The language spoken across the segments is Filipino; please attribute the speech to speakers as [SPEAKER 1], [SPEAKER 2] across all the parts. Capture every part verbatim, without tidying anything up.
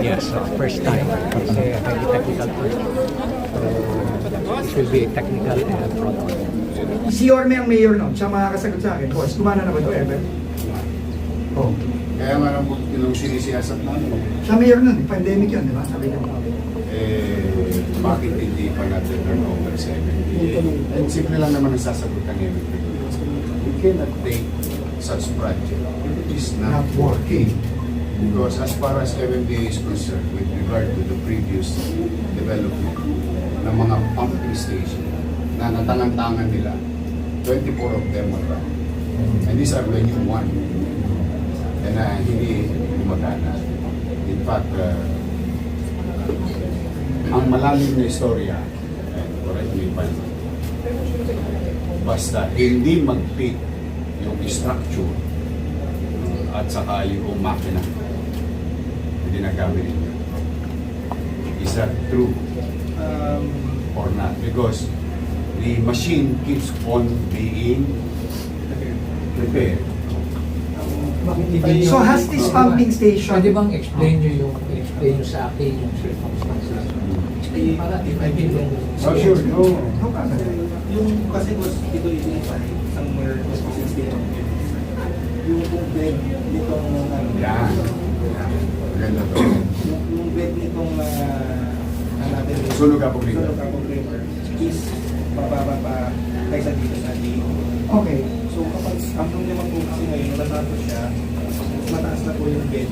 [SPEAKER 1] yes, uh, first time. It's a highly technical tool. So, it will be a technical and protocol.
[SPEAKER 2] Si Yorme ang mayor nun, siya makakasagot sa akin. Boss, kumana na ba ito ever? Oh.
[SPEAKER 3] Kaya nga lang po yung sinisiyasat namin.
[SPEAKER 2] Siya mayor nun, eh. Pandemic yun, di ba? Sabi niya.
[SPEAKER 3] Eh, bakit hindi pa natin turn over sa M M D A? And simple lang naman ang sasagot ng M M D A. We cannot take such project if it is not
[SPEAKER 2] Not working.
[SPEAKER 3] Because as far as M M D A is concerned, with regard to the previous development ng mga pumping station na natangan-tangan nila, twenty-four of them are run. And these are the new one. And uh, hindi gumagana. In fact, uh, ang malalim na istorya, and correct me if I'm wrong, basta hindi mag-fit yung structure at saka yung makina na ginagamit ninyo. Is that true um, or not? Because the machine keeps on being repaired.
[SPEAKER 2] So has this pumping station,
[SPEAKER 1] Pwede bang explain nyo yung, explain nyo sa akin yung circumstances? Explain para if I can learn.
[SPEAKER 3] Oh, sure. No.
[SPEAKER 2] no problem.
[SPEAKER 4] Yung kasi was dito identify somewhere was sixteen. Yung kung bed nitong ano,
[SPEAKER 3] Yan. Maganda to.
[SPEAKER 4] yung, yung bed nitong uh, ano natin
[SPEAKER 3] Sunog Apog River.
[SPEAKER 4] Sunog Apog River is mababa pa kaysa dito sa D.
[SPEAKER 2] Okay.
[SPEAKER 4] So kapag ang nung naman po kasi ngayon natapos siya, mataas na po yung bed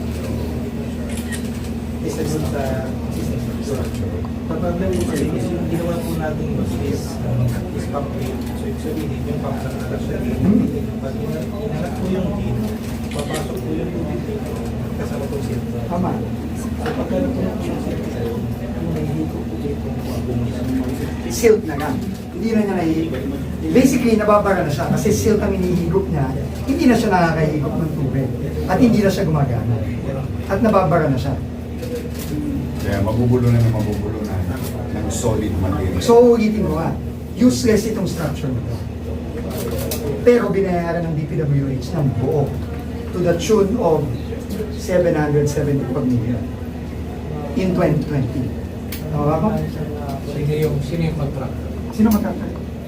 [SPEAKER 4] isa dun sa system structure. Kapag na-over is yung ginawa po natin was is um, is pump rate. So ibig sabihin yung pump na alas na din. Pag inanap po yung din, papasok po yung tubig dito kasama po siya.
[SPEAKER 2] Tama.
[SPEAKER 4] So pagka po yung siya, yung nahihigop po dito yung
[SPEAKER 2] Silt na nga. Hindi na niya nahihigop. Basically, nababara na siya kasi silt ang inihigop niya. Hindi na siya nakakahigop ng tubig. At hindi na siya gumagana. At nababara na siya.
[SPEAKER 3] Kaya mabubulo na na mabubulo na ng solid material.
[SPEAKER 2] So, ulitin ko nga, useless itong structure nito. Pero binayaran ng D P W H ng buo to the tune of seven hundred seventy-four million in twenty twenty. Tama ba ako?
[SPEAKER 1] Sino yung, sino yung contractor?
[SPEAKER 2] Sino magkakita?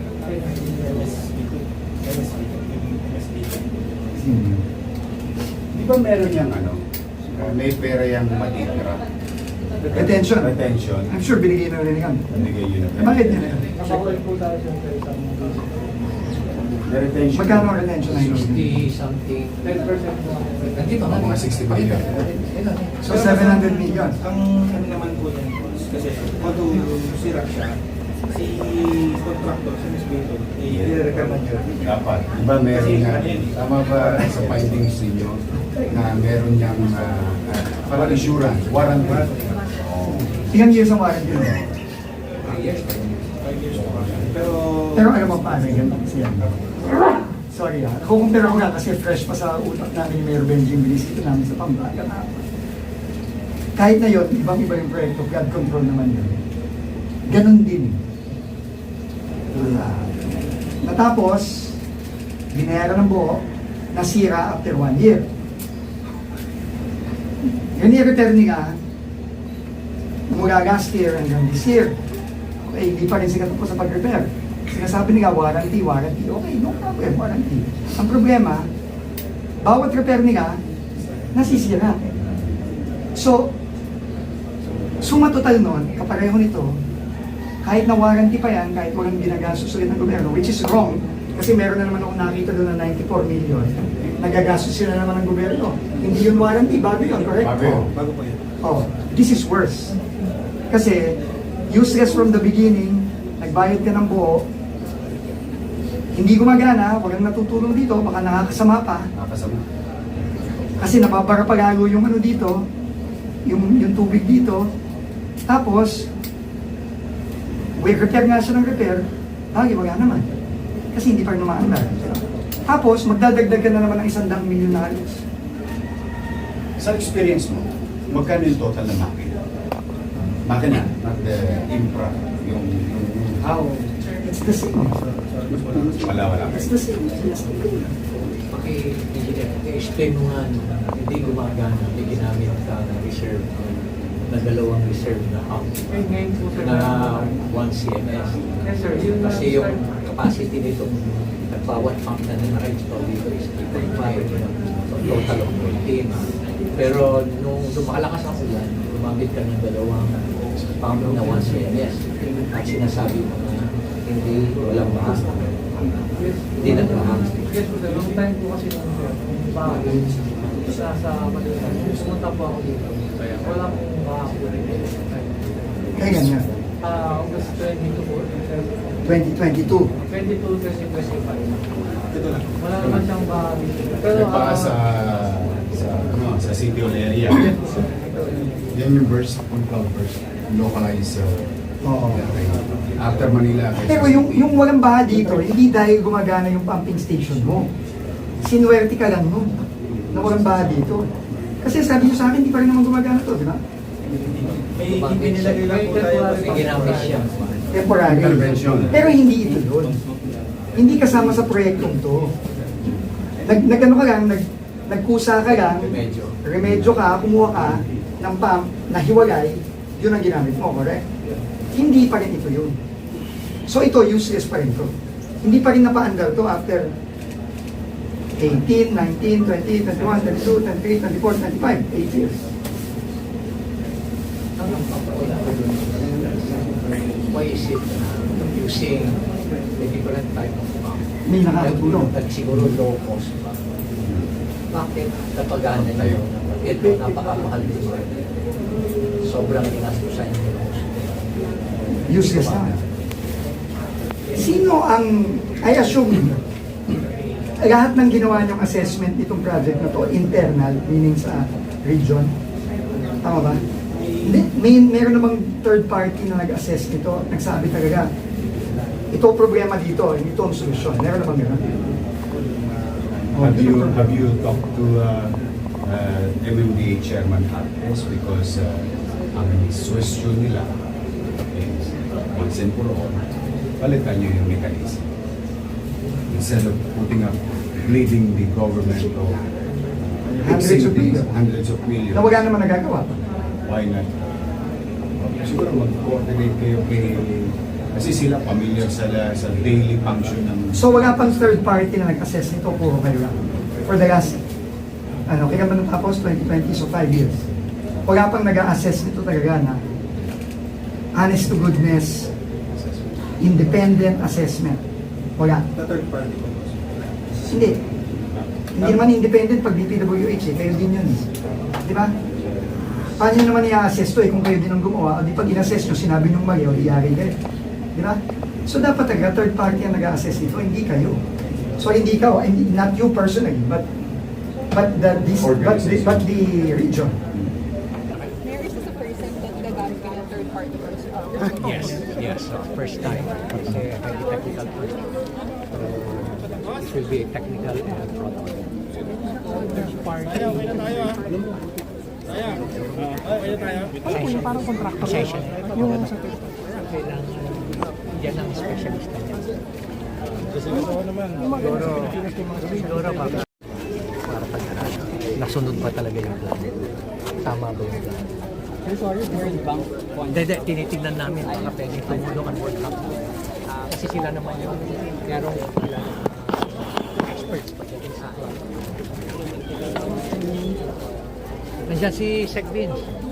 [SPEAKER 3] Hmm. Di ba meron yung ano, uh, may pera yung matitira?
[SPEAKER 2] Retention.
[SPEAKER 3] Retention.
[SPEAKER 2] I'm sure binigay na rin yan.
[SPEAKER 3] Binigay yun
[SPEAKER 2] Eh, bakit nila yan?
[SPEAKER 4] Nakawal po tayo sa isang
[SPEAKER 3] The retention.
[SPEAKER 2] Magkano ang retention na yun?
[SPEAKER 1] sixty something.
[SPEAKER 4] ten percent po.
[SPEAKER 1] Nandito na.
[SPEAKER 3] Mga sixty million.
[SPEAKER 2] So, seven hundred million.
[SPEAKER 4] Ang ano naman po yan, kasi although sira siya, si contractor, si Miss Beto, i-repair man yun.
[SPEAKER 3] Dapat. Di ba meron nga, tama ba sa findings ninyo na meron niyang uh, uh, parang insurance, warranty? Oh.
[SPEAKER 2] Ilang years ang warranty nila?
[SPEAKER 4] Five years po. Pero,
[SPEAKER 2] Pero alam mo paano yun? Siya. Sorry ah. Kukumpira ko nga kasi fresh pa sa utak namin ni Mayor Benjing binisito namin sa Pampanga na kahit na yun, ibang-iba yung proyekto, flood control naman yun. Ganon din. Uh, natapos, binayaran ng buo, nasira after one year. Yun i-repair niya, mula last year hanggang this year. Okay, hindi pa rin siya po sa pag-repair. Sinasabi nila, warranty, warranty. Okay, no problem, warranty. Ang problema, bawat repair nila, nasisira. So, suma total nun, kapareho nito, kahit na warranty pa yan, kahit walang ginagastos ulit ng gobyerno, which is wrong, kasi meron na naman ako nakita doon na ninety-four million, nagagastos sila naman ng gobyerno. Hindi yun warranty, bago yun, correct?
[SPEAKER 3] Bago yun.
[SPEAKER 4] bago po yun.
[SPEAKER 2] Oh, this is worse. Kasi, useless from the beginning, nagbayad ka ng buo, hindi gumagana, walang natutulong dito, baka nakakasama pa.
[SPEAKER 3] Nakasama.
[SPEAKER 2] Kasi napapara pa lalo yung ano dito, yung, yung tubig dito. Tapos, we repair nga siya ng repair, lagi wala naman. Kasi hindi pa rin umaandar. Tapos, magdadagdag ka na naman ng isang daang milyon na halos.
[SPEAKER 3] Sa experience mo, magkano yung total na makina? Makina, not the infra. Yung, yung, yung how?
[SPEAKER 2] It's the same.
[SPEAKER 3] Wala, wala.
[SPEAKER 2] It's the same. It's the same.
[SPEAKER 1] Paki-explain mo nga, no, hindi gumagana, hindi ginamit ka na reserve. na dalawang reserve na pump
[SPEAKER 5] Eh, ngayon po sir.
[SPEAKER 1] na one C M S.
[SPEAKER 5] Yes sir, yun lang,
[SPEAKER 1] Kasi yung
[SPEAKER 5] sir.
[SPEAKER 1] capacity nitong bawat pump na na-install dito is three point five. So total of fourteen. Pero nung lumalakas ang ulan, lumamit ka ng dalawang pump na one C M S. At sinasabi mo na hindi, walang bahas.
[SPEAKER 5] Yes.
[SPEAKER 1] Hindi nagmahas.
[SPEAKER 5] Yes po sir, long time po kasi nung sir. Bago, sa sa Manila. Pumunta po ako dito. Wala pong mahapon.
[SPEAKER 2] Kaya ganyan.
[SPEAKER 5] Ah, August twenty-two po. sir.
[SPEAKER 2] twenty twenty-two.
[SPEAKER 5] twenty-two kasi twenty-five. Wala naman siyang bahay. Pero
[SPEAKER 3] Pero pa
[SPEAKER 5] ah,
[SPEAKER 3] sa sa ano sa city hall area.
[SPEAKER 5] yes po sir.
[SPEAKER 3] Yan yung burst on cloud burst. Localized uh,
[SPEAKER 2] Oo.
[SPEAKER 3] after Manila.
[SPEAKER 2] Pero yung, yung walang baha dito, hindi dahil gumagana yung pumping station mo. Sinuwerte ka lang nun na walang baha dito. Kasi sabi nyo sa akin, hindi pa rin naman gumagana to, di ba?
[SPEAKER 4] May hindi nilagay lang po tayo.
[SPEAKER 1] May ginamit siya.
[SPEAKER 2] Temporary.
[SPEAKER 3] Intervention.
[SPEAKER 2] Pero hindi ito yun. Hindi kasama sa proyektong to. Nag, nagano ka lang, nag, nagkusa ka lang,
[SPEAKER 1] Medyo.
[SPEAKER 2] remedyo ka, kumuha ka ng pump na hiwalay, yun ang ginamit mo, correct? Hindi pa rin ito yun. So ito, useless pa rin to. Hindi pa rin napa-under to after eighteen, nineteen, twenty, twenty-one, twenty-two, twenty-three, twenty-four, twenty-five, eight years.
[SPEAKER 1] Why is it uh, using a different type of pump?
[SPEAKER 2] May nakakatulong.
[SPEAKER 1] At siguro low cost pa. Bakit kapagana nyo? Ito napakamahal din. Sobrang inastusan nyo.
[SPEAKER 2] Useless na. Sino ang, I assume, lahat ng ginawa niyong assessment nitong project na to, internal, meaning sa region, tama ba? Hindi, may, meron namang third party na nag-assess nito, nagsabi talaga, ito ang problema dito, ito ang solusyon. Meron namang gano'n. Oh,
[SPEAKER 3] Have you
[SPEAKER 2] ito ang
[SPEAKER 3] have
[SPEAKER 2] problema.
[SPEAKER 3] you talked to uh, uh, M M D A Chairman Artes because uh, ang suggestion nila is once and for all, palitan nyo yung mechanism. Instead of putting up, bleeding the government of uh,
[SPEAKER 2] Hundreds
[SPEAKER 3] fixing
[SPEAKER 2] of
[SPEAKER 3] things,
[SPEAKER 2] millions.
[SPEAKER 3] hundreds of millions.
[SPEAKER 2] Na wala naman nagagawa.
[SPEAKER 3] Why not? Siguro mag-coordinate kayo kay... Kasi sila familiar sa, sa daily function ng...
[SPEAKER 2] So wala pang third party na nag-assess nito, puro kayo lang. For the last, ano, kaya ba natapos twenty twenty, so five years. Wala pang nag-assess nito talaga na honest to goodness, independent assessment. Wala.
[SPEAKER 4] The third party po.
[SPEAKER 2] Hindi. Hindi naman independent pag D P W H eh, kayo din yun. eh. Di ba? Paano nyo naman i-assess to eh kung kayo din ang gumawa? O di pag in-assess nyo, sinabi nyo mali, o di yari kayo. Di ba? So dapat talaga third party ang nag-assess nito, hindi kayo. So hindi ikaw, hindi, not you personally, but but the, this, but, the, but the region.
[SPEAKER 6] Mayor, is this the first time that gagamit kayo ng third party person?
[SPEAKER 1] Yes, yes. uh, First time. Kasi highly technical first. So, this will be a technical and product. Third party. Pasensya. Parang contractor. Pasensya. Yung sa kailangan yan ang specialist na yan. Siguro, siguro baka para pag-aralan. Nasunod ba talaga yung plan? Tama ba yung plan? Hindi, hindi. Tinitignan namin baka pwede tumulong ang World Cup. Kasi sila naman yung merong experts pagdating sa akin. Nandiyan si Sec Vince.